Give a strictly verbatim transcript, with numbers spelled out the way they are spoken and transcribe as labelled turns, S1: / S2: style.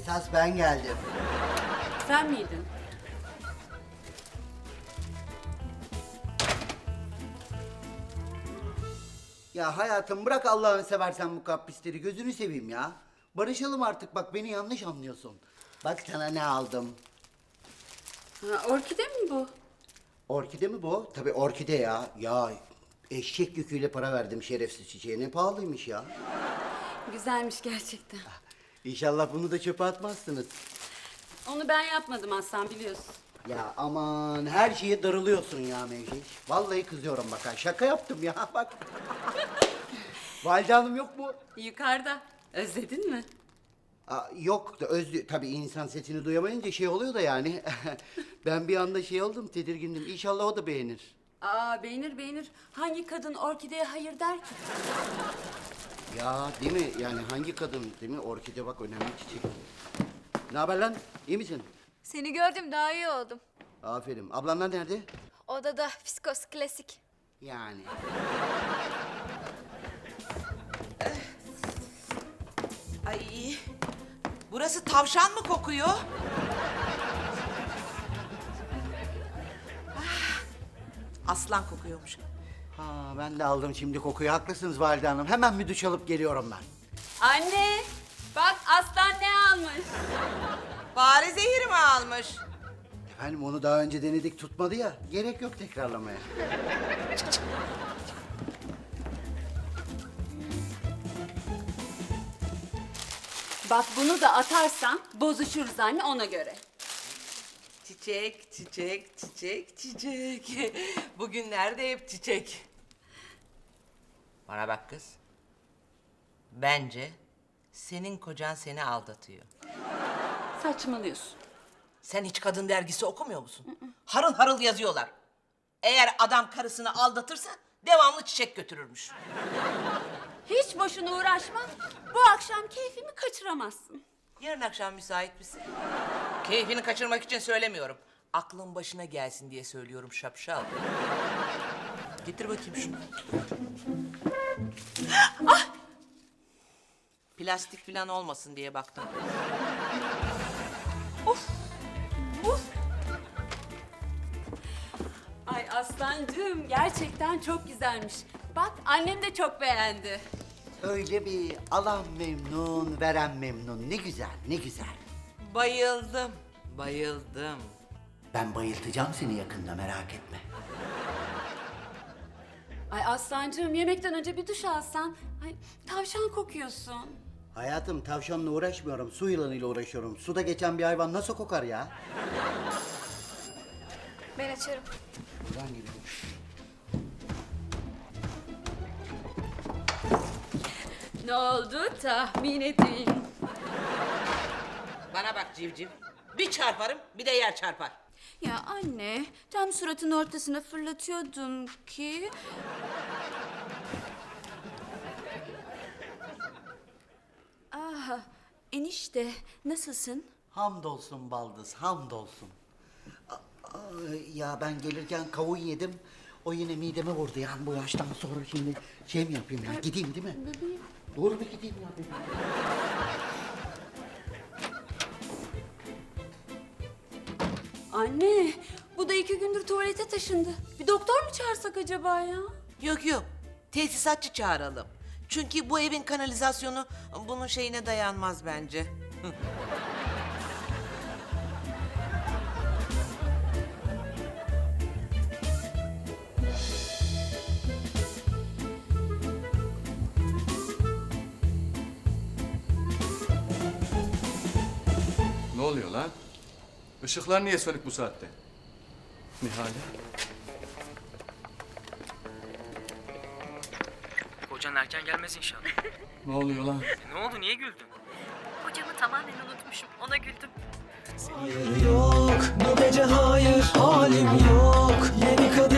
S1: Esas ben geldim.
S2: Sen miydin?
S1: Ya hayatım bırak Allah'ını seversen bu kaprisleri, gözünü seveyim ya. Barışalım artık, bak beni yanlış anlıyorsun. Bak sana ne aldım.
S2: Ha, orkide mi bu?
S1: Orkide mi bu? Tabii orkide ya. Ya eşek yüküyle para verdim şerefsiz çiçeğe. Ne pahalıymış ya.
S2: Güzelmiş gerçekten.
S1: İnşallah bunu da çöpe atmazsınız.
S2: Onu ben yapmadım Aslan, biliyorsun.
S1: Ya aman her şeye darılıyorsun ya Mevciş. Vallahi kızıyorum bak ha. Şaka yaptım ya bak. Valide Hanım yok mu?
S2: Yukarıda. Özledin mi?
S1: Aa, yok da özlü tabii insan sesini duyamayınca şey oluyor da yani. Ben bir anda şey oldum, tedirgindim. İnşallah o da beğenir.
S2: Aa, beğenir beğenir. Hangi kadın orkideye hayır der ki?
S1: Ya değil mi? Yani hangi kadın değil mi? Orkide bak önemli çiçek. Ne haber lan? İyi misin?
S3: Seni gördüm daha iyi oldum.
S1: Aferin. Ablanlar nerede?
S3: Odada fiskos klasik.
S1: Yani.
S4: Ay, burası tavşan mı kokuyor? Ah, aslan kokuyormuş.
S1: Ha ben de aldım şimdi kokuyu. Haklısınız Valide Hanım. Hemen bir duş alıp geliyorum ben.
S2: Anne! Bak Aslan ne almış?
S4: Fare zehiri mi almış?
S1: Efendim onu daha önce denedik tutmadı ya. Gerek yok tekrarlamaya.
S2: Bak bunu da atarsan bozuşuruz anne, ona göre.
S4: Çiçek, çiçek, çiçek, çiçek. Bugünlerde hep çiçek. Bana bak kız. Bence senin kocan seni aldatıyor.
S2: Saçmalıyorsun.
S4: Sen hiç kadın dergisi okumuyor musun? Harıl harıl yazıyorlar. Eğer adam karısını aldatırsa devamlı çiçek götürürmüş.
S2: Hiç boşuna uğraşma. Bu akşam keyfimi kaçıramazsın.
S4: Yarın akşam müsait misin? Keyfini kaçırmak için söylemiyorum. Aklın başına gelsin diye söylüyorum şapşal. Getir bakayım şunu. Ah! Plastik falan olmasın diye baktım.
S2: Of! Of! Ay Aslancığım, gerçekten çok güzelmiş. Bak annem de çok beğendi.
S1: Öyle bir alan memnun, veren memnun. Ne güzel, ne güzel.
S4: Bayıldım, bayıldım.
S1: Ben bayıltacağım seni yakında, merak etme.
S2: Ay Aslancığım, yemekten önce bir duş alsan. Ay tavşan kokuyorsun.
S1: Hayatım tavşanla uğraşmıyorum, su yılanıyla uğraşıyorum. Suda geçen bir hayvan nasıl kokar ya?
S3: Ben açarım.
S1: Buradan gidelim.
S2: Ne oldu tahmin edin.
S4: Bana bak civciv. Bir çarparım, bir de yer çarpar.
S2: Ya anne, tam suratın ortasına fırlatıyordum ki... Ah, enişte nasılsın?
S1: Hamdolsun baldız, hamdolsun. A- a- Ya ben gelirken kavun yedim. O yine mideme vurdu yani bu yaştan sonra şimdi şey mi yapayım ya? Gideyim değil mi?
S2: Bebeğim.
S1: Doğru bir gideyim ya bebeğim.
S2: Anne, bu da iki gündür tuvalete taşındı. Bir doktor mu çağırsak acaba ya?
S4: Yok yok, tesisatçı çağıralım. Çünkü bu evin kanalizasyonu bunun şeyine dayanmaz bence.
S5: Ne oluyor lan? Işıklar niye sönük bu saatte? Nihale.
S6: Kocan erken gelmez inşallah.
S5: Ne oluyor lan?
S6: E, ne oldu, niye güldün?
S2: Kocamı tamamen unutmuşum, ona güldüm.
S7: Yok bu gece hayır halim yok. Yeni kadın